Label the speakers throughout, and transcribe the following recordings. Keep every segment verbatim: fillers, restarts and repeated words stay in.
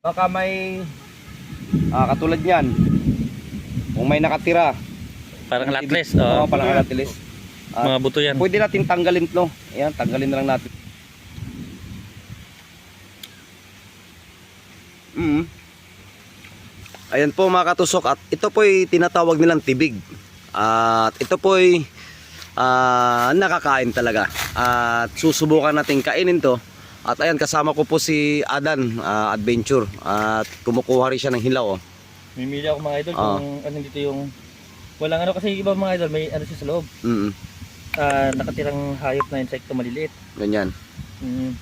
Speaker 1: Baka may ah, katulad niyan. Kung may nakatira.
Speaker 2: Parang latless.
Speaker 1: Oo,
Speaker 2: Oh.
Speaker 1: parang latless. Ah,
Speaker 2: Mga buto yan.
Speaker 1: pwede natin tanggalin 'to. Ayan, tanggalin na lang natin. Mm. Ayan po mga katusok, at ito po'y tinatawag nilang tibig. At ito po'y ah, nakakain talaga. At susubukan natin kainin 'to. At ayan, kasama ko po si Adan ah, Adventure. At kumukuha rin siya ng hilaw. Oh.
Speaker 2: Mimili ako mga idol
Speaker 1: Oo.
Speaker 2: kung ano dito yung walang ano, kasi iba mga idol may ano siya sa loob.
Speaker 1: Mm.
Speaker 2: Ah, nakatirang hayop na insekto maliliit.
Speaker 1: Ganyan.
Speaker 2: Mm.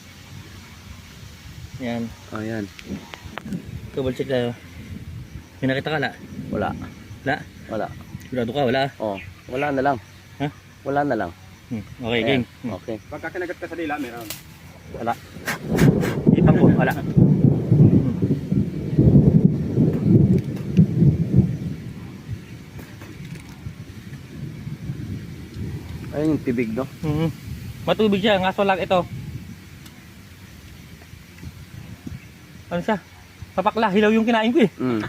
Speaker 2: Yan.
Speaker 1: Ayan.
Speaker 2: Double check tayo. May nakita ka la?
Speaker 1: Wala.
Speaker 2: La?
Speaker 1: Wala.
Speaker 2: Sigurado ka wala?
Speaker 1: Oh, wala na lang.
Speaker 2: Ha?
Speaker 1: Wala na lang.
Speaker 2: Hmm. Okay,
Speaker 1: Ayan.
Speaker 2: game. Hmm.
Speaker 1: Okay.
Speaker 3: Pagka kinagat ka sa dila, meron.
Speaker 2: Wala. Ipang ko, wala. Hmm.
Speaker 1: Ayun yung tibig, no?
Speaker 2: Hmm. Matubig siya, ngaso lang ito. Ano siya? Papakla, hilaw yung kinain ko eh.
Speaker 1: Mm.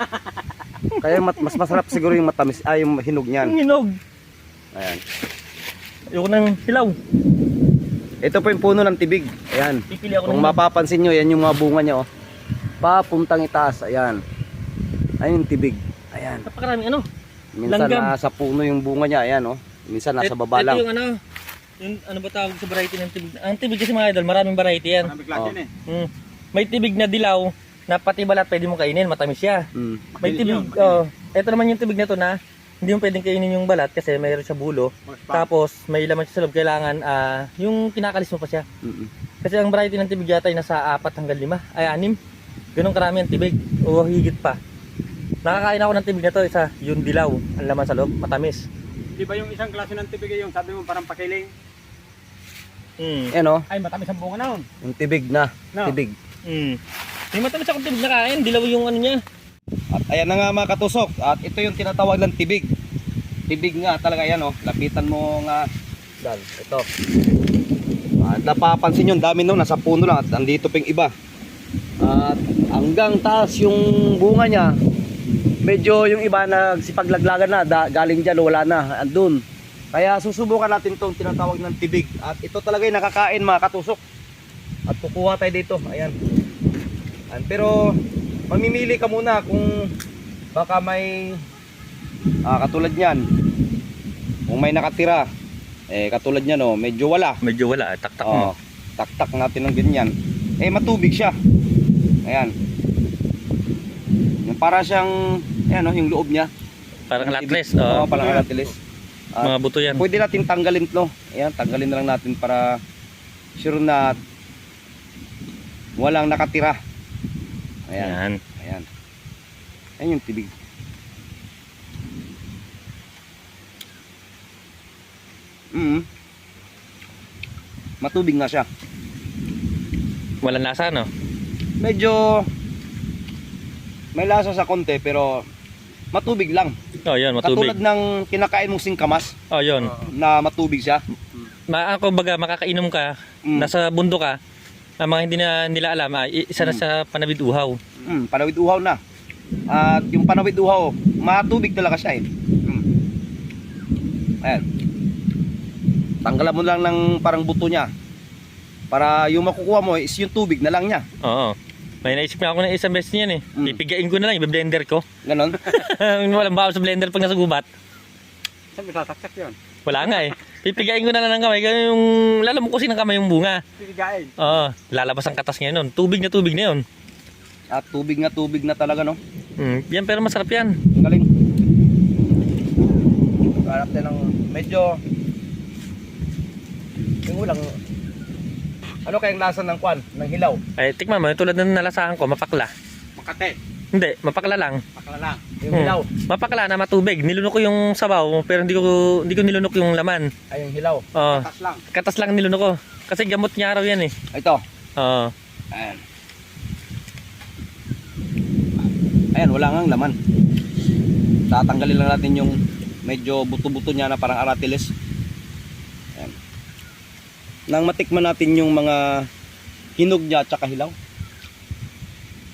Speaker 1: Kaya mat mas masarap siguro yung matamis, ay yung hinog niyan.
Speaker 2: Yung hinog.
Speaker 1: Ayan.
Speaker 2: Ayoko ng hilaw.
Speaker 1: Ito po yung puno ng tibig. Ayan.
Speaker 2: Pipili ako
Speaker 1: Kung
Speaker 2: ng
Speaker 1: mapapansin nyo, yan yung mga bunga niya, oh. Papuntang itaas. Ayan. Ayun yung tibig. Ayan.
Speaker 2: napakaraming ano.
Speaker 1: Minsan
Speaker 2: Langgam.
Speaker 1: nasa puno yung bunga niya. Ayan, oh. Minsan nasa
Speaker 2: Et-
Speaker 1: baba
Speaker 2: ito
Speaker 1: lang.
Speaker 2: yung ano, yung ano ba tawag sa variety ng tibig? Ang tibig kasi mga idol, maraming variety yan.
Speaker 3: Marami klase
Speaker 1: Oh.
Speaker 3: yan eh.
Speaker 2: Hmm. May tibig na dilaw na pati balat pwede mo kainin, matamis siya.
Speaker 1: Mm.
Speaker 2: May
Speaker 3: Makinis
Speaker 2: tibig,
Speaker 3: yun, makinis.
Speaker 2: oh, ito naman yung tibig na to na hindi mo pwedeng kainin yung balat kasi mayroon siya bulo.
Speaker 3: Oh, spam.
Speaker 2: Tapos may laman siya sa loob, kailangan ah, yung kinakalis mo pa siya.
Speaker 1: Mm-mm.
Speaker 2: Kasi ang variety ng tibig yata ay nasa apat hanggang lima, ay anim. Ganun karami ang tibig, o higit pa. Nakakain ako ng tibig na to, isa, yung dilaw, ang laman sa loob, matamis.
Speaker 3: Di ba yung isang klase ng tibig yung sabi mo parang pakiling?
Speaker 2: Mm.
Speaker 1: Ayan, oh.
Speaker 3: Ay, matamis ang bunga na nun.
Speaker 1: Yung tibig na.
Speaker 3: No.
Speaker 1: Tibig.
Speaker 2: Mm. May matamis akong tibig na kain, dilaw yung ano niya.
Speaker 1: At ayan na nga mga katusok. At ito yung tinatawag ng tibig. Tibig nga talaga yan, oh. Lapitan mo nga. Dan, ito. At napapansin yun, dami no, nasa puno lang. At andito pa yung iba. At hanggang taas yung bunga niya. Medyo yung iba nagsipagлагlagan na. Da, galing dyan, wala na. Andun. Kaya susubukan natin itong tinatawag ng tibig. At ito talaga yung nakakain mga katusok. At kukuha tayo dito. Ayan. Ayan. Pero mamimili ka muna kung baka may ah, katulad niyan. Kung may nakatira, eh katulad niyan, oh, medyo wala.
Speaker 2: Medyo wala, tak-tak
Speaker 1: Oh,
Speaker 2: mo.
Speaker 1: taktak natin ng ganyan. Eh matubig siya. Ayan. Yung para siyang ayan, oh, yung loob niya.
Speaker 2: Parang latless.
Speaker 1: Oo,
Speaker 2: Oh.
Speaker 1: parang latless. At
Speaker 2: Mga buto yan.
Speaker 1: pwede natin tanggalin 'to. Ayan, tanggalin na lang natin para sure na walang nakatira. Ayan.
Speaker 2: Yan.
Speaker 1: Ayan. Ayan yung tibig. Mm. Matubig nga siya.
Speaker 2: Walang lasa, no?
Speaker 1: Medyo may lasa sa konti pero matubig lang.
Speaker 2: Oh, yun, matubig.
Speaker 1: Katulad ng kinakain mong singkamas
Speaker 2: Oh, yun.
Speaker 1: na matubig siya.
Speaker 2: Ma ako baga makakainom ka,
Speaker 1: Mm.
Speaker 2: nasa bundok ka, ang mga hindi na nila alam, ah, i- isa na
Speaker 1: Mm.
Speaker 2: sa panabid uhaw.
Speaker 1: Mm, panawid uhaw na. At yung panawid uhaw, matubig talaga siya eh. Mm. Ayan. Tanggalan mo lang ng parang buto niya. Para yung makukuha mo is yung tubig na lang niya.
Speaker 2: Oo. May naisip na ako ng isang beses niyan eh.
Speaker 1: Mm.
Speaker 2: Pipigain ko na lang, i-blender ko.
Speaker 1: Ganon.
Speaker 2: Walang bawal sa blender pag nasa gubat.
Speaker 3: Saan may sasaksak yun?
Speaker 2: Wala nga eh. Pipigain ko na lang ng kamay, ganun yung lalamukusin ng kamay yung bunga.
Speaker 3: Pipigain.
Speaker 2: Oo. Lalabas ang katas ngayon nun. Tubig na tubig na yun.
Speaker 1: At tubig na tubig na talaga, no?
Speaker 2: Mm. Yan, pero masarap yan.
Speaker 1: Ang galing. Harap tayo ng medyo yung ulang. Ano kayang lasa ng kwan? Ng hilaw?
Speaker 2: Ay, tikman mo, tulad ng nalasahan ko, mapakla.
Speaker 3: Makate.
Speaker 2: Hindi, mapakla lang.
Speaker 3: Pakala lang.
Speaker 1: Yung
Speaker 2: Hmm.
Speaker 1: hilaw.
Speaker 2: Mapakla na matubig. Nilunok ko yung sabaw, pero hindi ko hindi ko nilunok yung laman.
Speaker 1: Ay, yung hilaw.
Speaker 2: Oo.
Speaker 3: Katas lang.
Speaker 2: Katas lang nilunok ko. Kasi gamot niya araw yan eh.
Speaker 1: Ito.
Speaker 2: Oo.
Speaker 1: Ayan. Ayan, wala ngang laman. Tatanggalin lang natin yung medyo buto-buto niya na parang aratiles. Ayan. Nang matikman natin yung mga hinog niya at saka hilaw.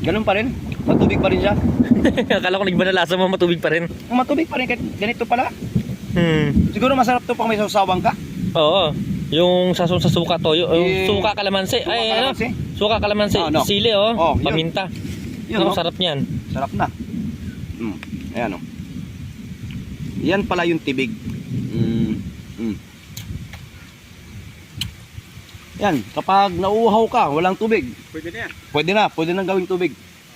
Speaker 1: Ganun pa rin. Matubig pa rin siya.
Speaker 2: Akala ko nagba na lasa mo, matubig pa rin.
Speaker 1: Matubig pa rin kahit ganito pala.
Speaker 2: Hmm.
Speaker 1: Siguro masarap to pang may sawsawang ka.
Speaker 2: Oo. Yung sasun sa suka toyo, yung
Speaker 1: Eh,
Speaker 2: suka kalamansi.
Speaker 1: suka
Speaker 2: Ay,
Speaker 1: kalamansi.
Speaker 2: ano? Suka kalamansi,
Speaker 1: Ah, ano?
Speaker 2: sili oh,
Speaker 1: Oh, yun.
Speaker 2: paminta.
Speaker 1: Yun,
Speaker 2: Ang
Speaker 1: oh.
Speaker 2: sarap niyan.
Speaker 1: Sarap na. Mm. Ayan o. Yan pala yung tibig. Mm. Mm. Yan, kapag nauuhaw ka, walang tubig,
Speaker 3: Pwede na yan.
Speaker 1: pwede na, pwede nang gawing tubig.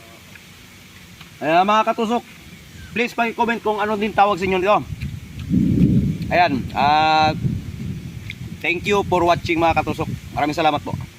Speaker 1: Ayan mga katusok, please pag-comment kung ano din tawag sa inyo nito. Ayan, ah thank you for watching mga katusok. Maraming salamat po.